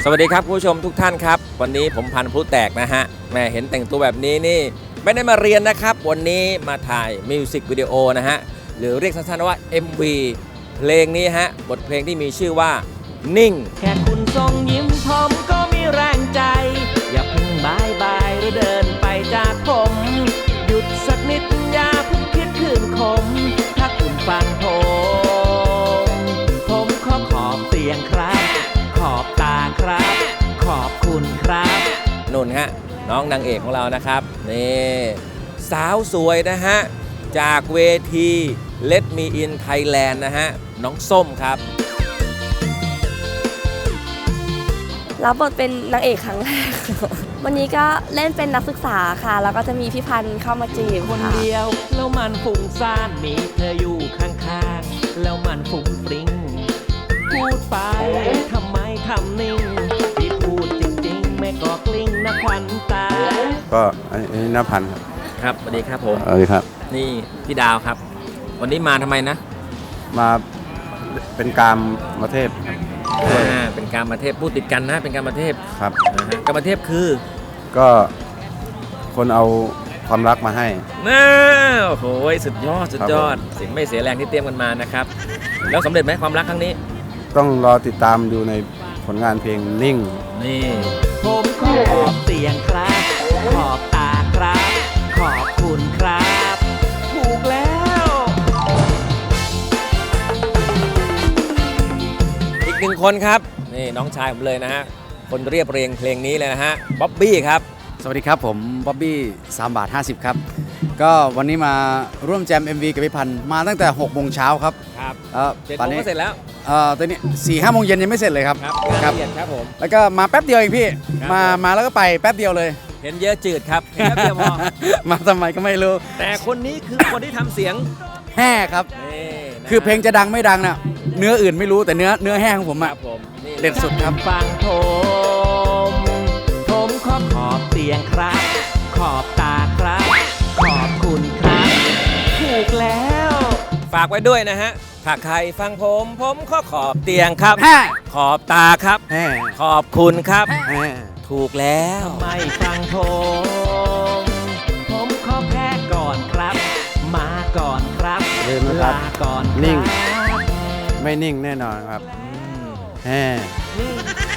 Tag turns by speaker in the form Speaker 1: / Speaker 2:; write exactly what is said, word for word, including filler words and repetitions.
Speaker 1: สวัสดีครับคุณผู้ชมทุกท่านครับวันนี้ผมพันธุ์พลุแตกนะฮะแม่เห็นแต่งตัวแบบนี้นี่ไม่ได้มาเรียนนะครับวันนี้มาถ่ายมิวสิกวิดีโอนะฮะหรือเรียกสั้นๆว่า เอ็ม วี เพลงนี้ฮะบทเพลงที่มีชื่อว่านิ่ง
Speaker 2: แค่คุณทรงยิ้มผมก็มีแรงใจอย่าเพิ่งบายบายหรือเดินไปจากผมหยุดสักนิดอย่าเพิ่งคิดคืนคมถ้าคุณฟังผมผมขอขอบเสียงครับขอบตาครับขอบคุณครับ
Speaker 1: นุ่นฮะน้องนางเอกของเรานะครับนี่สาวสวยนะฮะจากเวที Let Me In Thailand นะฮะน้องส้มครับ
Speaker 3: รับบทเป็นนางเอกครั้งแรก วันนี้ก็เล่นเป็นนักศึกษาค่ะแล้วก็จะมีพี่พันธ์เข้ามาจีบ
Speaker 2: คนเดียวแล้วมันฟุ้งซ่านมีเธออยู่ข้างๆแล้วมันฟุ้งฟริ้งพูดไปทำไมทำนิ่งที่พูดจริงๆไม่ก็กลิ้งนะควันตา
Speaker 4: ก็อันนี้นภันธ์ครับ
Speaker 1: ครับสวัสดีครับผม
Speaker 4: สวัสดีครับ
Speaker 1: นี่พี่ดาวครับวันนี้มาทำไมนะ
Speaker 4: มาเป็นการมาเทพ
Speaker 1: อ่าเป็นการมาเทพพูดติดกันนะเป็นการมาเทพ
Speaker 4: ครับ
Speaker 1: นะฮะการมาเทพคือ
Speaker 4: ก็คนเอาความรักมาให้
Speaker 1: น่าโอ้โหสุดยอดสุดยอดสิ่งไม่เสียแรงที่เตรียมกันมานะครับแล้วสำเร็จไหมความรักครั้งนี้
Speaker 4: ต้องรอติดตามดูในผลงานเพลงนิ่ง
Speaker 1: นี่
Speaker 2: ผมขอบเสียงครับขอบตาครับขอบคุณครับถูกแล้ว
Speaker 1: อีกหนึ่งคนครับนี่น้องชายผมเลยนะฮะคนเรียบเรียงเพลงนี้เลยนะฮะบ๊อบบี้ครับ
Speaker 5: สวัสดีครับผมบ๊อบบี้สามบาทห้าสิบครับก็วันนี้มาร่วมแจม เอ็ม วี กับพี่พันธ์มาตั้งแต่หกโมงเช้าครับ
Speaker 1: ครับ
Speaker 5: ตอนนี้
Speaker 1: เสร็จแล้ว
Speaker 5: เอ่อตอนนี้สี่ห้าโมงเย็นยังไม่เสร็จเลยครับ
Speaker 1: ครับครับผม
Speaker 5: แล้วก็มาแป๊บเดียวเองพี่มามาแล้วก็ไปแป๊บเดียวเลย
Speaker 1: เห็นเยอะจืดครับเห็นแป๊บเดียวพอ
Speaker 5: มาทำไมก็ไม่รู้
Speaker 1: แต่คนนี้คือคนที่ทำเสียง
Speaker 5: แห่ครับคือเพลงจะดังไม่ดังน่ะเนื้ออื่นไม่รู้แต่เนื้อเนื้อแห้ของผมอะเด็ดสุดครับ
Speaker 2: ฟังผมผมขอขอบเสียงครับขอบตาครับขอบคุณครับถูกแล้ว
Speaker 1: ฝากไว้ด้วยนะฮะถ้าใครฟังผมผมขอขอบเตียงครับขอบตาครับขอบคุณครับถูกแล้ว
Speaker 2: ทำไมฟังผมผมขอแพ้ก่อนครับมาก่อนครับลาก่อน
Speaker 4: นิ่งไม่นิ่งแน่นอนครับแฮ่